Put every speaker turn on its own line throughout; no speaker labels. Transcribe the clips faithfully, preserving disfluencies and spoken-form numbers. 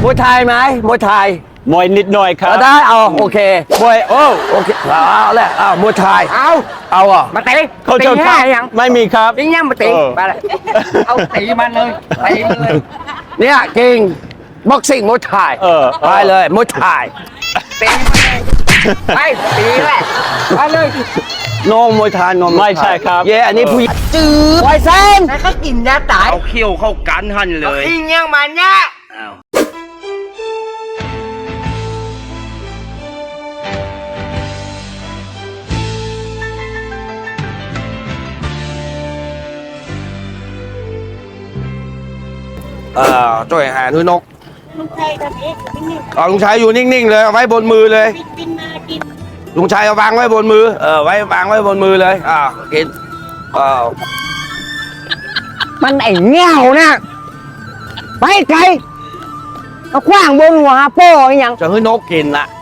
มวยไทยไหมมวยไทย
มวยนิดหน่อยครับ
ได้เอาโอเค
มวยโอ้
โอเคเอาแหละเอามวยไทย
เอา
เอาอ่ะ
มาตี
เขาจะทำไม่มีครับ
ตียังมาตีไปเลยเอาตีมันเลยตีมันเลย
เนี่ยเก่งบ็อกซิ่งมวยไทย
เออ
ไปเลยมวยไทย
ตีมันเลยไปตีแหละไปเลย
โนมวยไทยโน
ไม่ใช่ครับ
เย่อันนี้ผู้หญิงจืดไวเซน
แล้วก็กินยาตาย
เอาเขี้ยวเข้ากันหันเลย
อิงยังมันเนี่ย
เอ่อจ่วยหานุนก
ลุงชัยตอนนี้นิ่งๆ
อ๋อลุงชัยอยู่นิ่งๆเลยเอาไว้บนมือเลย
กินมากิน
ลุงชัยเอาวางไว้บนมือเออไว้วางไว้บนมือเลยอ่ากินเออ
มันไอ้เงี้ยวเนี่ยไปไกลเอาขว้างบนหัวโป้ยัง
จะให้นกกินละ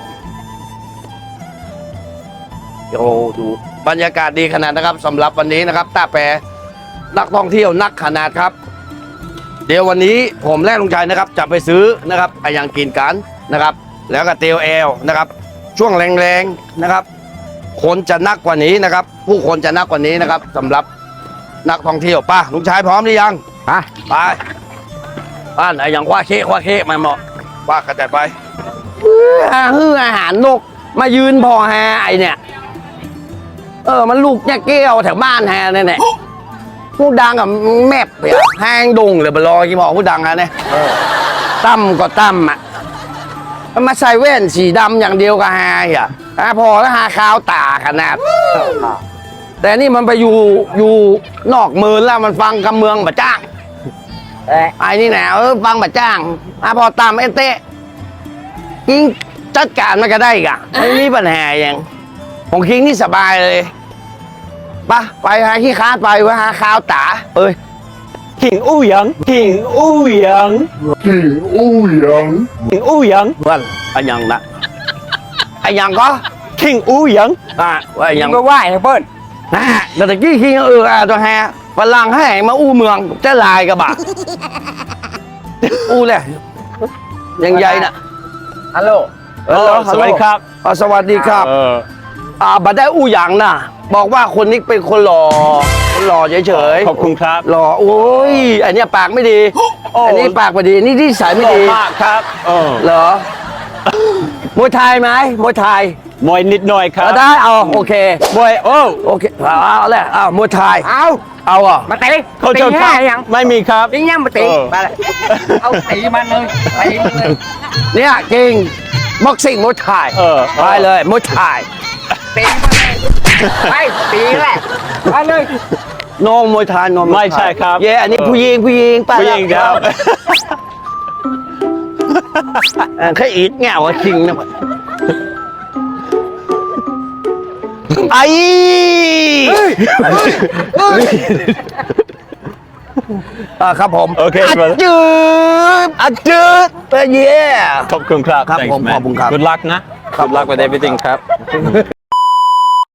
โอ้ดูบรรยากาศดีขนาดนะครับสำหรับวันนี้นะครับตาแปรนักท่องเที่ยวนักขนาดครับเดี๋ยววันนี้ผมและลุงชัยนะครับจะไปซื้อนะครับไปยังกินกันนะครับ แล้วก็เตียวแอลนะครับช่วงแรงๆนะครับคนจะนักกว่านี้นะครับ ผู้คนจะนักกว่านี้นะครับสำหรับนักท่องเที่ยวป้าลุงชัยพร้อมหรือยัง
ไป
ไปบ้านไหนอย่างว่าเคะว่าเคะมาเหมาะว่ากระจายไปฮืออาหารนกมายืนพอแฮไอเนี่ยเออมันลูกเนี่ยเกี้ยวแถวบ้านแฮเนี่ยเนี่ยผู้ดังกับแมบเปียแห้งดงเลยบลอกี่บอกผู้ดังอะเนี่ยตั้มก็ตั้มอ่ะมันมาใส่แว่นสีดำอย่างเดียวกับฮาอ่ะฮะพอแล้วฮาขาวตาขนาดแต่นี่มันไปอยู่อยู่นอกเมืองแล้วมันฟังกำเมืองบะจ้างไอ้นี่แหละเออฟังบะจ้างฮะพอตามเอเต้คิงจัดการมันก็ได้กะไม่มีปัญหาอย่างของคิงนี่สบายเลยปะไปหาขี้ค้าไปไว้หาข้าวตาเอ้ย
ขิงอู้หยังขิงอู้หยัง
ขิงอู้หยัง
ขิงอู้หยัง
เพื่อนไอ้ยังนะไอ้ยังก็
ขิงอู้หยัง
อ่ะไอ้ยัง
ก็ไหวเปิ้ล
นะแต่ตะกี้คิงเอออ่ะตัวแฮฝรั่งให้มาอู้เมืองจะลายกระบะอู้เลยยังใหญ่นะ
ฮัลโหล
ฮัลโหล
สวัสดีครับ
สวัสดีครับอ่าบัดได้อู้หยังนะบอกว่าคนนี้เป็นคนหล่อคนหล่อเฉย
ๆขอบคุณครับ
หล่อโอ้ยอันนี้ปากไม่ดีอันนี้ปากไม่ดีนี่ที่สายไม่ดี
มากครับ
เหรอมวยไทยไหมมวยไทย
มวยนิดหน่อยครับ
ได้เอาโอเค
มวยโอ้
โอเคเอาแหละเอามวยไทย
เอา
เอาอ่ะ
มาตี
เขาจะทำไม่มีครับ
ตียังมาตีไปเลยเอาตีมันเลยตีมันเลย
เนี่ยเก่งบ็อกซิ่งมวยไทยไปเลยมวยไทย
ตีมันเลยไปตีแหละไปเลย
โนมวยไทยโนม
ไม่ใช่ครับ
เย่อันนี้ผู้หญิงผู้หญิงไป
ผู้หญิงครับ
แค่อีดเงาจริงนะไอ้ครับผม
โอเค
จืดอัดจืดไปเย่
ขอบคุณครับ
ครับผมขอบคุณครับ
Good luck นะ Good luck with everything ครับ